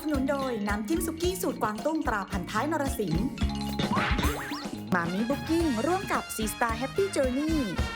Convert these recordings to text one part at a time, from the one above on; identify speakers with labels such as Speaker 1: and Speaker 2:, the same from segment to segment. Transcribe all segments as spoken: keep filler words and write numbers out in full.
Speaker 1: นุนโดยน้ำจิ้มสุกี้สูตรกวางตุ้งตราพันท้ายนรสิงห์มามิบุ๊กิ้งร่วมกับซีสตาร์แฮปปี้เจอร์นี่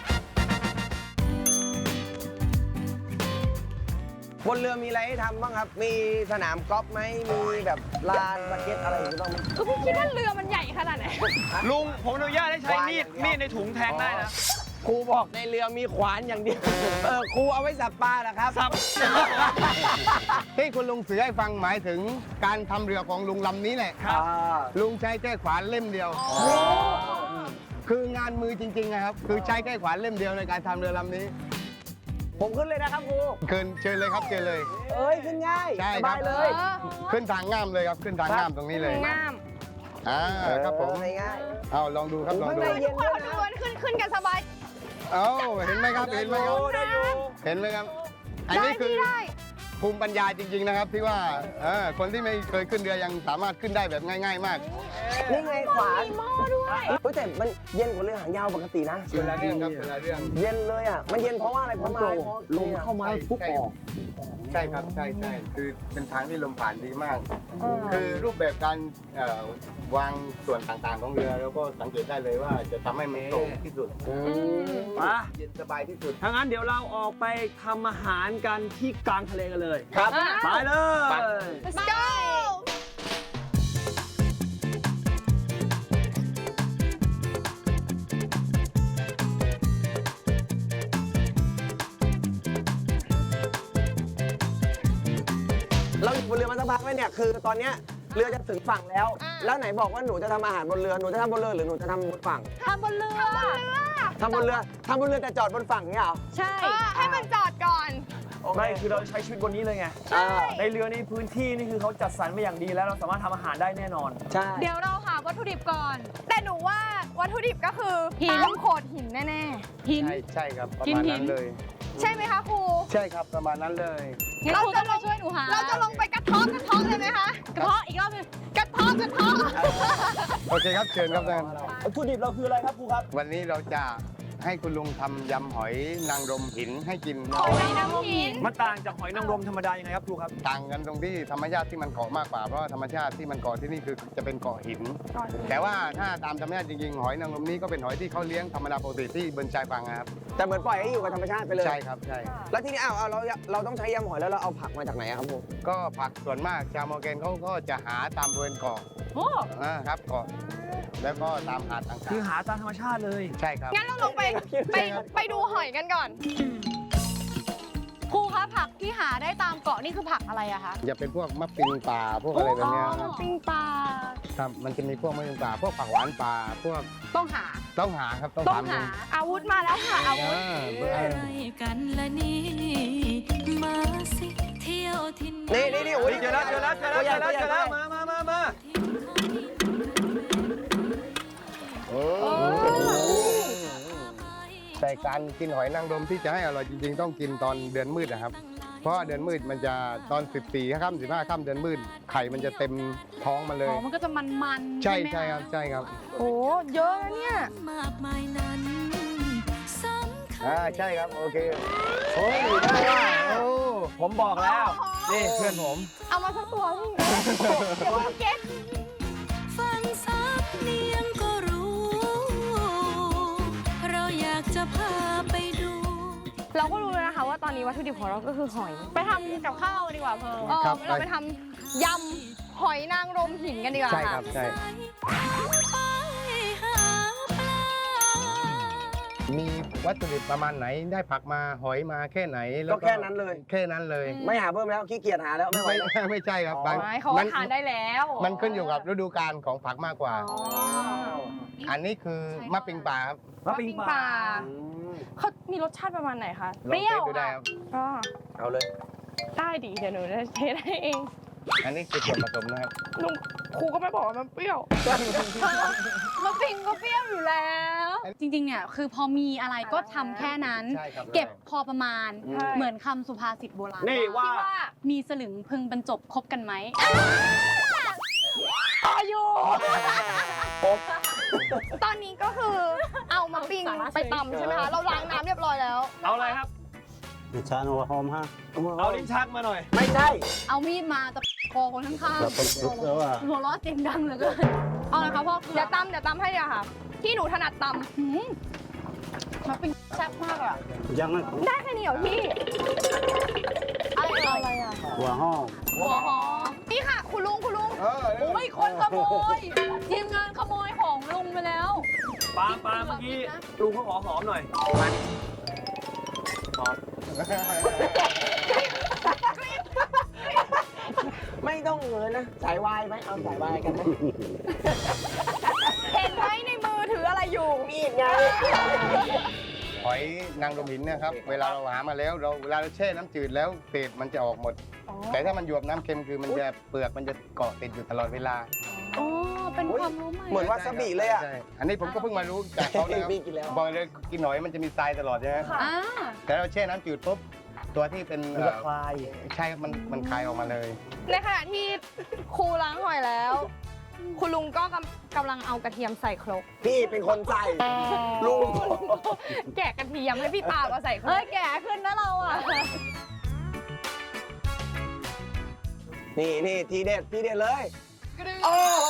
Speaker 2: บนเรือมีอะไรให้ทำบ้างครับ มีสนามกอล์ฟไหมมีแบบลานสเก็ตอะไรอย่างนี้บ้างไหม
Speaker 3: ก็พี่คิดว่าเรือมันใหญ่ขนาดไหน
Speaker 4: ลุงผมอนุญาตให้ใช้มีดมีดในถุงแทงได้นะ
Speaker 2: ครูบอกในเรือมีขวานอย่างเดียวเออครูเอาไว้สับปลาเหรอครับ
Speaker 4: สับ
Speaker 5: ที่คุณลุงสื่อให้ฟังหมายถึงการทำเรือของลุงลำนี้แหละ
Speaker 2: อ่า
Speaker 5: ลุงใช้แค่ขวานเล่มเดียว คืองานมือจริงๆนะครับ คือใช้แค่ขวานเล่มเดียวในการทำเรือลำนี้
Speaker 2: ผมขึ้นเลยนะครับครู
Speaker 5: เกินเชิญเลยครับเชิญเลย
Speaker 2: เอ้ยขึ้นง่าย
Speaker 5: ใช่
Speaker 2: ส
Speaker 5: ครับ
Speaker 2: บายเลย
Speaker 5: ขึ้นทางง่ามเลยครับ ขึ้นทางง่ามตรงนี้เลย
Speaker 3: งาม
Speaker 5: อ่าครับผม
Speaker 2: เออง่าย
Speaker 5: เอาลองดูครับลอง
Speaker 2: ข้าง
Speaker 5: ดู
Speaker 2: ในเย็น
Speaker 3: ค
Speaker 2: ด้วย
Speaker 3: น
Speaker 2: นะ
Speaker 3: ดูมันขึ้นขึ้นกันสบาย
Speaker 5: เอาเห็นไหมครับเห็นไหมครับ
Speaker 4: ได้อยู่
Speaker 5: เห็นไหมครับ อัน
Speaker 3: ได้
Speaker 5: นี้คื
Speaker 3: พี่
Speaker 5: อ
Speaker 3: ได้
Speaker 5: ภูมิปัญญาจริงๆนะครับที่ว่าเออคนที่ไม่เคยขึ้นเรือยังสามารถขึ้นได้แบบง่าย ๆ มาก
Speaker 2: นี่ไงขวาน
Speaker 3: มีหม้อด้วย
Speaker 2: เฮ้ยแต่มันเย็นกว่าเรือหางยาวปกตินะ
Speaker 5: เวลาเรื่องครับเวลาเรื่อง
Speaker 2: เย็นเลยอ่ะ มันเย็นเพราะว่าอะไรเพราะมาลมเข้ามาปุ๊บออก
Speaker 5: ใช่ครับใช่ใช่คือเป็นทางที่ลมผ่านดีมาก คือรูปแบบการเอ่อวางส่วนต่างๆของเรือแล้วก็สังเกตได้เลยว่าจะทำให้มันโปร่งที่สุด
Speaker 4: มา
Speaker 5: เย็นสบายที่สุด
Speaker 4: ถ้างั้นเดี๋ยวเราออกไปทำอาหารกันที่กลางทะเลกันเลย
Speaker 2: ครับ
Speaker 4: ไปเลย
Speaker 3: Let's go
Speaker 2: เราอยู่บนเรือมาสักพักแล้วเนี่ยคือตอนเนี้ยเรือจะถึงฝั่งแล้ว
Speaker 3: อ่า
Speaker 2: แล้วไหนบอกว่าหนูจะทำอาหารบนเรือหนูจะทำบนเรือหรือหนูจะทำบนฝั่ง
Speaker 3: ทำบนเรือทำบนเรือ
Speaker 2: ทำบนเรือทำบนเรือแต่จอดบนฝั่งเนี่ยเหรอ
Speaker 3: ใช่ให้มันจอดก่อน
Speaker 4: ไม่คือเราใช้ชีวิตบนนี้เลยไง
Speaker 2: ใช่
Speaker 4: ในเรือนี่พื้นที่นี่คือเขาจัดสรรมาอย่างดีแล้วเราสามารถทำอาหารได้แน่นอน
Speaker 2: ใช่
Speaker 3: เดี๋ยวเราหาวัตถุดิบก่อน แต่หนูว่าวัตถุดิบก็คือหินโขดหินแน่ๆหิน
Speaker 5: ใช่ใช่ครับประ
Speaker 3: กิน
Speaker 5: มาณ
Speaker 3: หิน
Speaker 5: นั้นเลย
Speaker 3: ใช่ไหมคะครู
Speaker 5: ใช่ครับประมาณนั้นเลย
Speaker 3: งั้นครูต้องมาช่วยหนูหาเราจะลงไปกระเท้อกระเท้อเลยไหมคะกระเท้ออีกรอบนึงกระเท้อกระเท้อ
Speaker 5: โอเคครับเชิญครับท่าน
Speaker 4: วัตถุดิบเราคืออะไรครับครูครับ
Speaker 5: วันนี้เราจะให้คุณลุงทำยำหอยนางรมหินให้กิน
Speaker 3: หอยนางรมหิน
Speaker 4: มันต่างจากหอยนางรมธรรมดายังไงครับครูครับ
Speaker 5: ต่างกันตรงที่ธรรมชาติที่มันเกาะมากกว่าเพราะว่าธรรมชาติที่มันเกาะที่นี่คือจะเป็นเกาะหิน แต่ว่าถ้าตามธรรมชาติจริงๆหอยนางรมนี้ก็เป็นหอยที่เขาเลี้ยงธรรมดาปกติที่บนชายฝั่งนะครับ
Speaker 2: แต่เหมือนปล่อยให้อยู่กับธรรมชาติไปเลย
Speaker 5: ใช่ครับใช่
Speaker 2: แล้วทีนี้อ้าวเอาเราเราต้องใช้ยำหอยแล้วเราเอาผักมาจากไหนอะครับผม
Speaker 5: ก็ผักส่วนมากชาวมอร์แกนเขาก็จะหาตามบริเวณเกาะ
Speaker 3: โอ้
Speaker 5: อ่าครับเกาะแล้วก็ตามหาดต่าง
Speaker 4: คือหาตามธรรมชาติเลย
Speaker 5: ๆใช่ครับ
Speaker 3: งั้นเราลงไปไปไปดูหอยกันก่อนครูคะผักที่หาได้ตามเกาะนี่คือผักอะไรอะคะ
Speaker 5: จะเป็นพวกมะปิงป่าพวกอะไรแบบเนี้ยครับ
Speaker 3: ปิ้งปลา
Speaker 5: ครับมันจะมีพวกมะปิงป่าพวกผักหวานป่าพวก
Speaker 3: ต้องหา
Speaker 5: ต้องหาครับต้อง
Speaker 3: ต้อง
Speaker 5: ถาม
Speaker 3: หาอาวุธมาแล้วค่ะอาวุธ
Speaker 5: อ่าเบอร์
Speaker 6: กันละนี่มาสิเที่ยวทิน
Speaker 2: นี่นี่นี่โอ้ย
Speaker 4: เจอแล้วเจอแล้วเจอแล้วเจอแล้วเจอแล้วมามามามา
Speaker 5: โอ้แต่การกินหอยนางรมที่จะให้อร่อยจริงๆ ต้องกินตอนเดือนมืดนะครับ เพราะว่าเดือนมืดมันจะตอนสิบสี่ค่ำสิบห้าค่ำเดือนมืดไข่มันจะเต็มท้องมาเลย
Speaker 3: อ๋อมันก็จะมันๆ
Speaker 5: ใช่
Speaker 3: ไหม
Speaker 5: ใช่ครับใช่ครับ
Speaker 3: โอ้เยอะนะเนี่ย
Speaker 6: มากมายนั้นสำคัญ
Speaker 5: อ่าใช่ครับโอเคโอ้ยได้ว่าโอ้
Speaker 4: ผมบอกแล้ว นี่เพื่อนผม
Speaker 3: เอามาสักตัวพี่เดี๋ยวมันเก็ต
Speaker 6: ฟังสำเนียงก็รู้ เราอยากจะพาไปดู
Speaker 3: เราก็รู้แล้วนะคะว่าตอนนี้วัตถุดิบของเราก็คือหอย ไปทำกับข้าวดีกว่าเพร์ลเออเราไปทำยำหอยนางรมหินกันดีกว่า
Speaker 5: ใช่ครับใช่
Speaker 6: ไปหาปลา
Speaker 5: มีวัตถุดิบประมาณไหนได้ผักมาหอยมาแค่ไหนแล้ว
Speaker 2: ก็แค่นั้นเลย
Speaker 5: แค่นั้นเลย
Speaker 2: ไม่หาเพิ่มแล้วขี้เกียจหาแล้วไม่ไหว
Speaker 5: ไม่
Speaker 2: แล้ว
Speaker 5: ไม่ใช่ครับบาง
Speaker 3: ไม่เขาว่าทานได้แล้ว
Speaker 5: มันขึ้นอยู่กับฤดูกาลของผักมากกว่า
Speaker 3: อ๋อ
Speaker 5: อันนี้คือมะปิงป่าครับ
Speaker 4: มะปิงปลา
Speaker 3: เขามีรสชาติประมาณไหนคะ
Speaker 5: ลอง
Speaker 3: เปรี้ยว
Speaker 5: เทสดูได้
Speaker 3: ค่ะ
Speaker 5: ครับ
Speaker 3: อ๋อ
Speaker 2: เอาเลย
Speaker 3: ได้ดิเดี๋ยวหนูจะเทสให้เอง
Speaker 5: อันนี้คือส่วนผสมนะครับ
Speaker 3: ลุงครูก็ไม่บอกว่ามันเปรี้ยวมะปิงก็เปรี้ยวอยู่แล้ว
Speaker 7: จริงๆ เนี่ยคือพอมีอะไรก็ทำแค่นั้น
Speaker 5: ใช่ครับ
Speaker 7: เก็บพอประมาณ
Speaker 2: ใช่
Speaker 7: เหมือนคำสุภาษิตโบราณ
Speaker 4: นี่ว่า
Speaker 3: ที่ว่า
Speaker 7: มีสลึงพึงบรรจบคบกันไหม
Speaker 3: อายุตอนนี้ก็คือเอามาปิ้งไปตำใช่ไหมคะเราล้างน้ำเรียบร้อยแล้ว
Speaker 4: เอาอะไรครับ
Speaker 8: ชาโนหอมฮะ
Speaker 4: เอาลิ้นชักมาหน่อย
Speaker 2: ไม่ใช่
Speaker 7: เอามีดมาจะคอคนข้าง
Speaker 5: เราต้องรู้แล้วว่า
Speaker 7: ๆหัวเราะเสียงดังเหลือเกินเอาเลยครับพ่อ
Speaker 3: เดี๋ยวตำเดี๋ยวตำให้เดี๋ยวค่ะ ที่หนูถนัดต
Speaker 7: หืมมันเป็นแซ่บมากอะ
Speaker 5: ยังไม่
Speaker 3: ำได้แค่นี้เหรอพี่
Speaker 7: อะไรอะไรอะ
Speaker 5: หัวห้อง
Speaker 7: หัวหอม
Speaker 3: นี่ค่ะ คุณลุงคุณลุง
Speaker 2: เออ
Speaker 7: โอ้ยคนขโมยทีมงานขโมยของลุงไปแล้ว
Speaker 4: ปาล์มปาล์มเมื่อกี้ลุงเขาขอหอมหน่อยหอม
Speaker 2: ไม่ต้องเงินนะสายวายไหมเอาสายวายกันไหม
Speaker 3: เห็นไหมในมือถืออะไรอยู่
Speaker 2: มีดไง
Speaker 5: หอยนางรมหินเนะครับ เวลาเราหามาแล้วเราเวลาเราแช่น้ำจืดแล้วเศษมันจะออกหมด แต่ถ้ามันหยวบน้ำเค็มคือมันจะเปลือกมันจะเกาะติดอยู่ตลอดเวลา
Speaker 7: อ๋อ เป็นความรู้ใหม่
Speaker 2: เหมือนวาซาบิเลยอ่ะ
Speaker 5: ใช่อันนี้ผมก็เพิ่งมารู้จากเขานะครับ
Speaker 2: พี่กินแล้ว
Speaker 5: บอกเลยกินหอยมันจะมีทรายตลอดใช่ไหม
Speaker 7: อ่า
Speaker 5: แต่เราแช่น้ำจืดปุ๊บตัวที่เป็น
Speaker 4: มันจะคลาย
Speaker 5: ใช่ครับมันมันคลายออกมาเลย
Speaker 3: ในขณะที่ครูล้างหอยแล้ว คุณลุงก็กำกำลังเอากระเทียมใส่ครก
Speaker 2: พี่เป็นคนใส่ลุง
Speaker 3: แกะกระเทียมให้พี่ปาล์มเอาใส่คร
Speaker 7: เฮ้
Speaker 3: ก
Speaker 7: ย แก่ขึ้นนะเราอ่ะ
Speaker 2: นี่นี่ทีเด็ดทีเด็ดเลย โอ้โห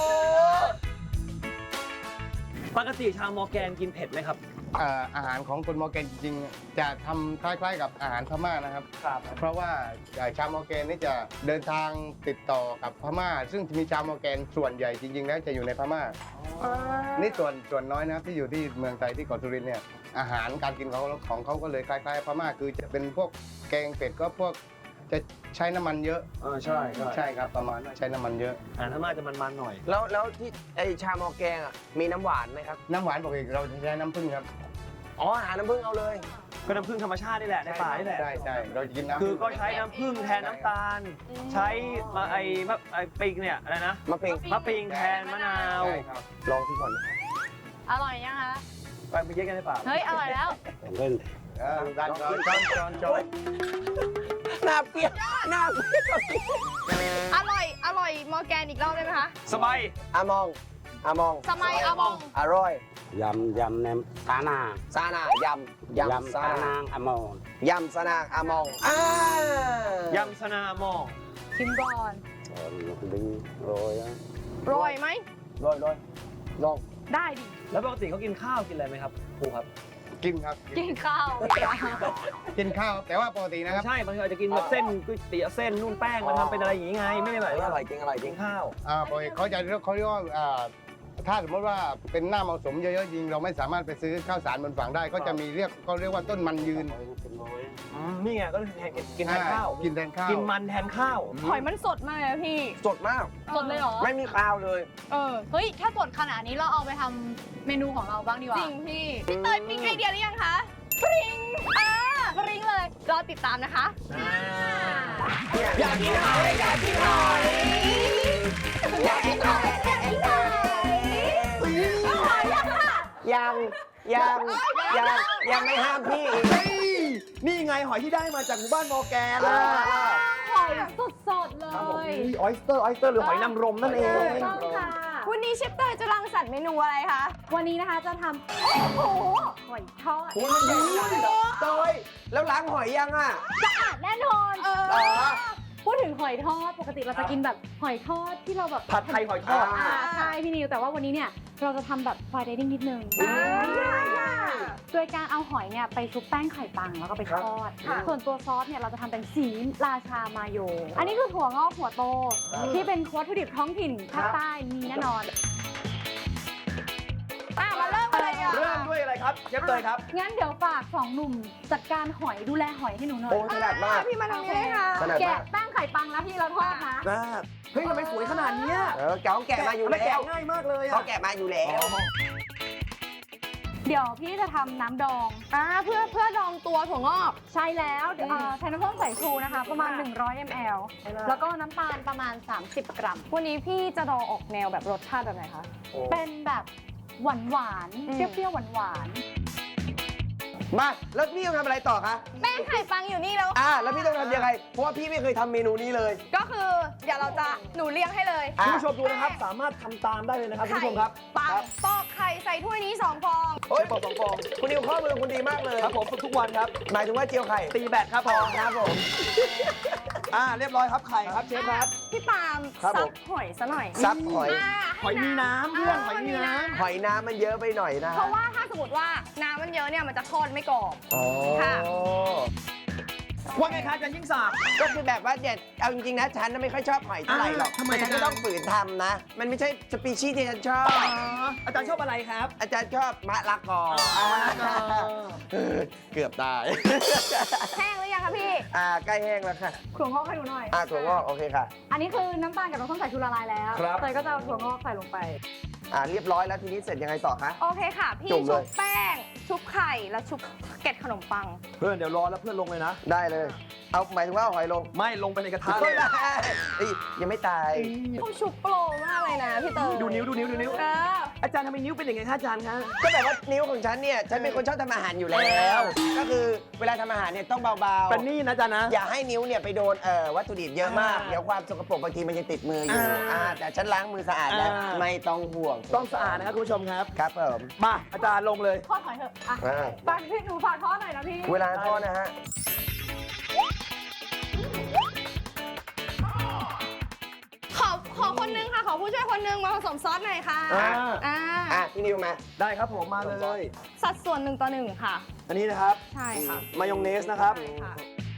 Speaker 4: ปกติชาวมอร์แกนกินเผ็ดไหมครับ
Speaker 5: อ่าอาหารของคนมอร์แกนจริงๆ จะทำคล้ายๆกับอาหารพม่านะครับ
Speaker 4: ครับ
Speaker 5: เพราะว่าชาวมอร์แกนนี่จะเดินทางติดต่อกับพม่า ซึ่งจะมีชาวมอร์แกนส่วนใหญ่จริงๆ แล้วจะอยู่ในพม่า นี่ส่วนส่วนน้อยนะครับที่อยู่ที่เมืองไทยที่เกาะสุรินทร์เนี่ยอาหารการกินของเขาของเขาก็เลยคล้ายๆพม่าคือจะเป็นพวกแกงเป็ดก็พวกจะใช้น้ำมันเยอะ
Speaker 4: เออใช่ใช่
Speaker 5: ใช่ครับประมาณว่าใช้น้ำมันเยอะ
Speaker 4: อาหารพม่าจะมันๆหน่อย
Speaker 2: แล้วแล้วที่ไอชามอแกงอ่ะมีน้ำหวานไหมครับ
Speaker 5: น้ำหวานปกติเราจะใช้น้ำผึ้งครับ
Speaker 2: อ๋อหาน้ำผึ้งเอาเลย
Speaker 4: ก็น้ำผึ้งธรรมชาตินี่แหละในป่านี่แหละ
Speaker 5: ใช่ใช่เราจะกินน้ำ
Speaker 4: คือก็ใช้น้ำผึ้งแทนน้ำตาล ใช้มาไอ้มะไอ้ปิงเนี่ยอะไรนะ
Speaker 2: มะเพ็ง
Speaker 4: มะปิงแทนมะนาว
Speaker 5: ใช่ครับ
Speaker 2: ลองที่ก่อน
Speaker 7: อร่อยยังคะ
Speaker 4: ไปไปเย็นกันในป่า
Speaker 7: เฮ้ย อร่อยแล้ว
Speaker 5: เออดันจอนจอนจอนจอน
Speaker 2: หน้าเปรี้ยวหน้าเปรี้ยว
Speaker 3: อร่อย อร่อยมอร์แกนอีกรอบได้ไหมคะ
Speaker 4: สบาย
Speaker 2: อามองอามอง
Speaker 3: สมัยอามอง
Speaker 2: อร่อย
Speaker 8: ยำยำแหนมตาหนา
Speaker 2: ซาหนายำยำ
Speaker 8: ยำ
Speaker 2: ซา
Speaker 8: ตา
Speaker 2: หนาน
Speaker 8: างอมร
Speaker 2: ยำซานางอามองอ่าย
Speaker 4: ำสนามอง
Speaker 7: ชิมก่อน
Speaker 8: เออดึงโรยนะ
Speaker 3: โรยไหม
Speaker 2: โรยโรยลอง
Speaker 3: ได้ดิ
Speaker 4: แล้วปกติเขากินข้าวกินอะไรไหมครับครูครับ
Speaker 5: กินครับ
Speaker 7: กินข้าว
Speaker 5: กินข้าวแต่ว่าปกตินะครับ
Speaker 4: ใช่บางทีอาจจะกินแบบเส้นก๋วยเตี๋ยวเส้นนู่นแป้งมันทำเป็นอะไรอย่างงี้ไง ไม่ได้หมาย
Speaker 2: อ
Speaker 4: ว่า
Speaker 2: ร่อยจริงอร่อยจริ
Speaker 4: กิ
Speaker 2: ง
Speaker 4: นข้าว
Speaker 5: อ่าปกติเขาจะเรียกเขาเรียกว่าอ่าถ้าสมมติว่าเป็นหน้าเหมาะสมเยอะๆจริงเราไม่สามารถไปซื้อข้าวสารบนฝั่งได้ ก็จะมีเรียกเขาเรียกว่าต้นมันยืน
Speaker 8: เป็นโรย
Speaker 4: อืมนี่ไงก็คือแทนกินแทนข้าว
Speaker 5: อ่กินแทนข้าว
Speaker 4: กินมันแทนข้าว
Speaker 3: หอยมันสดมากเลยนะพี่
Speaker 2: สดมาก
Speaker 7: สดเลยเหรอ
Speaker 2: ไม่มีคาวเลย
Speaker 3: เออ
Speaker 7: เฮ้ย ถ้าสดขนาดนี้เราเอาไปทำเมนูของเราบ้างดีกว่า
Speaker 3: จริงพี่ พี่เตยปิ๊งไอเดียหรือยังคะ ปริง อ่า ปริงเลย รอติดตามนะคะ
Speaker 2: อยากกินหอยอยากกินหอยอยากกินหอยอยากกินหอยยังยังยังยังไม่ห้ามพี่อีก
Speaker 4: นี่ไงหอยที่ได้มาจากหมู่บ้านมอร์แกน
Speaker 2: อ่า
Speaker 7: หอยสดๆเลย
Speaker 4: ออยสเตอร์ออยสเตอร์หรือหอยนางรมนั่นเอง
Speaker 7: ต้องค่ะ
Speaker 3: วันนี้เชฟเตยจะรังสรรค์เมนูอะไรคะ
Speaker 7: วันนี้นะคะจะทำโอ้โหหอยทอด
Speaker 2: คุณมันใหญ่ขนาดนี้เหรอเตยแล้วล้างหอยยังอ่ะ
Speaker 7: สะอาดแน่นอน
Speaker 3: เออ
Speaker 2: อ๋อ
Speaker 7: พูดถึงหอยทอด ปกติเราจะกินแบบหอยทอดที่เราแบบ
Speaker 4: ผัดไทยหอยทอด
Speaker 7: อ่าใช่พี่นิว แต่ว่าวันนี้เนี่ยเราจะทำแบบฟรายเดนิ่งนิดนึง โดยการเอาหอยเนี่ยไปชุบแป้งไข่ปังแล้วก็ไปทอด ส่วนตัวซอสเนี่ยเราจะทำเป็นสีราชามาโย อันนี้คือถั่วงอกหัวโต ที่เป็นวัตถุดิบท้องถิ่นภาคใต้มีแน่นอน
Speaker 3: อ่ะมาเริ่มกันเลยอ่ะ
Speaker 4: เริ่มด้วยอะไรครับเชฟเตยครับ
Speaker 7: งั้นเดี๋ยวฝากสองหนุ่มจัดการหอยดูแลหอยให้หนูหน่อย
Speaker 2: โอ้ถนัดมาก
Speaker 3: พี่มาทางนี้เลยค่ะ
Speaker 2: ถนัด
Speaker 7: แกะ
Speaker 2: มาก
Speaker 7: แป้งไข่ปังแล้วที่เราทอดนะ
Speaker 4: เฮ้ยทำไมสวยขนาดเนี้ย
Speaker 2: เออแกเขาแกะมาอยู่
Speaker 4: ไม่
Speaker 2: แล้
Speaker 4: แกะ
Speaker 2: ว
Speaker 4: ง่ายมากเลย
Speaker 2: เขา
Speaker 4: อะ
Speaker 2: แกะมาอยู่แล้ว
Speaker 7: เดี๋ยวพี่จะทำน้ำดอง
Speaker 3: อ่า เพื่อเพื่อดองตัวถั่วงอก
Speaker 7: ใช่แล้วเดี๋ยวเอ่อใช้น้ำส้มสายชูนะคะ ประมาณ หนึ่งร้อยมิลลิลิตร แล้วก็น้ำตาลประมาณ สามสิบ กรัม
Speaker 3: วันนี้พี่จะดองออกแนวแบบรสชาติแบบไหนคะ
Speaker 7: เป็นแบบหวานหวานๆ
Speaker 3: อืม
Speaker 7: เปรี้ยวๆหวานหวาน
Speaker 2: มาแล้วพี่ต้องทำอะไรต่อคะ
Speaker 3: แป้งไข่ปังอยู่นี่แล้ว
Speaker 2: อ่าแล้วพี่ต้องทำยังไง เพราะว่าพี่ไม่เคยทำเมนูนี้เลย
Speaker 3: ก็คือเดี๋ยวเราจะหนูเลี้ยงให้เลย
Speaker 2: อ่ะ
Speaker 4: คุณผู้ชมดูนะครับ สามารถทำตามได้เลยนะครับคุณผู้ชมครับ
Speaker 3: ปังปอกไข่ใส่ถ้วยนี้สองฟอง
Speaker 2: โอ้ย
Speaker 4: เชฟบอกสองฟอง
Speaker 2: คุณนิวข้อมือคุณดีมากเลย
Speaker 4: ครับผมฝึกทุกวันครับ
Speaker 2: หมายถึงว่าเจียวไข่
Speaker 4: ตีแบตครับพอ
Speaker 2: ครับผม
Speaker 4: อ่าเรียบร้อยครับไข่ครับเชฟครับ
Speaker 3: พี่ปาล์ม
Speaker 4: ครับผ
Speaker 3: ซั
Speaker 4: ม
Speaker 3: บหอยซะหน่อย
Speaker 2: ซับหอย
Speaker 3: า
Speaker 4: หอยมีน้ำเพื่อนหอยมีน้
Speaker 2: หอยน้ำมันเยอะไปหน่อยนะ
Speaker 3: เพราะว่าถ้าสมมติว่าน้ำมันเยอะเนี่ยมันจะทอดไม่กรอบ
Speaker 2: อ๋อ
Speaker 3: ค่ะ
Speaker 4: ำว่าไงครับอาจารย์ยิ่งศักดิ์
Speaker 2: ก็คือแบบว่าเนี่ยเอาจริงๆนะฉันน่ะไม่ค่อยชอบหอยเท่าไหร่หรอก
Speaker 4: อ่าทำไม
Speaker 2: แต่ฉันก็
Speaker 4: อ่ะ
Speaker 2: ต้องฝืนทำนะ มันไม่ใช่สปีชีส์ที่ฉันชอบ
Speaker 4: อาจารย์ชอบอะไรครับ
Speaker 2: อาจารย์ชอบมะละกออ่าเออเกือบตาย
Speaker 3: แห้งหรือยังคะพี่
Speaker 2: อ่าใกล้แห้งแล้วค่ะ
Speaker 7: ถั่วงอกให้ดูหน่อย
Speaker 2: อ่าถั่วงอกโอเคค่ะ
Speaker 7: อันนี้คือน้ำตาลกับน้ำส้มสายชูละลายแล้ว
Speaker 4: ครับ
Speaker 7: เตยก็จะเอาถั่วงอกใส่ลงไป
Speaker 2: อ่าเรียบร้อยแล้วทีนี้เสร็จยังไงต่อคะ
Speaker 3: โอเคค่ะ พี่
Speaker 2: จุ่มเล
Speaker 3: ชุ
Speaker 2: ย
Speaker 3: บแป้ง ชุบไข่แล้วชุบเกล็ดขนมปัง
Speaker 4: เพื่อนเดี๋ยวรอแล้วเพื่อนลงเลยนะ
Speaker 2: ได้เลย เอาหมายถึงว่าเอาหอยลง
Speaker 4: ไม่ลงไปในกระทะเล
Speaker 2: ไม่
Speaker 4: ย
Speaker 2: ได้เอ้ยยังไม่ตาย
Speaker 3: ผมชุบโปรมากเลยนะพี่เตย
Speaker 4: ดูนิ้วดูนิ้วดูนิ้ว
Speaker 3: เออ
Speaker 4: อาจารย์ทำไมนิ้วเป็นอย่างไงคะอาจารย์คะ
Speaker 2: ก็แบบว่านิ้วของฉันเนี่ย ฉันเป็นคนชอบทำอาหารอยู่แล้ว ก็คือเวลาทำอาหารเนี่ยต้องเบา
Speaker 4: เป็นนี่นะอาจารย์นะ
Speaker 2: ๆ อย่าให้นิ้วเนี่ยไปโดนเอ่อวัตถุดิบเยอะมาก
Speaker 4: อ่า
Speaker 2: เดี๋ยวความสกปรกบางทีมันยังติดมืออยู่
Speaker 4: อ่า
Speaker 2: อ่าแต่ฉันล้างมือสะอาดแล้ว
Speaker 4: อ่า
Speaker 2: ไม่ต้องห่วง
Speaker 4: ต้องสะอาดนะครับคุณผู้ชมครับ
Speaker 2: ครับผม
Speaker 4: มาอาจารย์ลงเลย
Speaker 7: ทอดหอยเถอะอ่ะ
Speaker 2: อ่า
Speaker 7: ฝากพี่หนูฝากทอดหน่อยนะพี่
Speaker 2: เวลาทอดนะฮะ
Speaker 3: ขอขอคนนึงค่ะ ขอผู้ช่วยคนนึงมาผสมซอสหน่อยค่ะ
Speaker 2: อ่า
Speaker 3: อ่า
Speaker 2: อ่ะพี่นิวมา
Speaker 4: ได้ครับผมมาเลย
Speaker 3: สัดส่วนหนึ่งต่อหนึ่งค่ะ
Speaker 4: อันนี้นะครับ
Speaker 3: ใช่ค่ะ
Speaker 4: มายองเนสนะครับ
Speaker 3: ใช่ค่ะ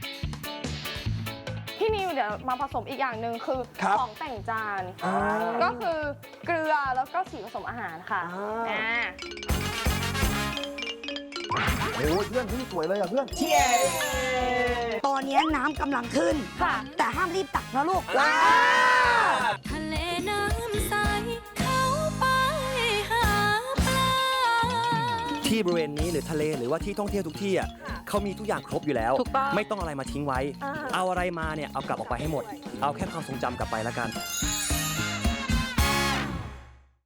Speaker 3: พี่นิวเดี๋ยวมาผสมอีกอย่างหนึ่งคือ
Speaker 4: ครับ
Speaker 3: ของแต่งจาน
Speaker 4: อ่า
Speaker 3: ก็คือเกลือแล้วก็สีผสมอาหารค่ะ
Speaker 4: อ่า
Speaker 3: อ่า
Speaker 4: โอ้ยเพื่อนพี่สวยเลยอ่ะเพื่อน
Speaker 9: ตอนนี้น้ำกำลังขึ้น
Speaker 3: ค่ะ
Speaker 9: แต่ห้ามรีบตักนะลูก
Speaker 6: ทะเลน้ำใส เข้าไปหาปลา
Speaker 10: ที่บริเวณนี้หรือทะเลหรือว่าที่ท่องเที่ยวทุกที่อ่ะเขามีทุกอย่างครบอยู่แล้ว
Speaker 3: ถูกต้อง
Speaker 10: ไม่ต้องอะไรมาทิ้งไว้ เอาอะไรมาเนี่ยเอากลับออกไปให้หมด เอาแค่ความทรงจำกลับไปแล้วกัน
Speaker 6: ท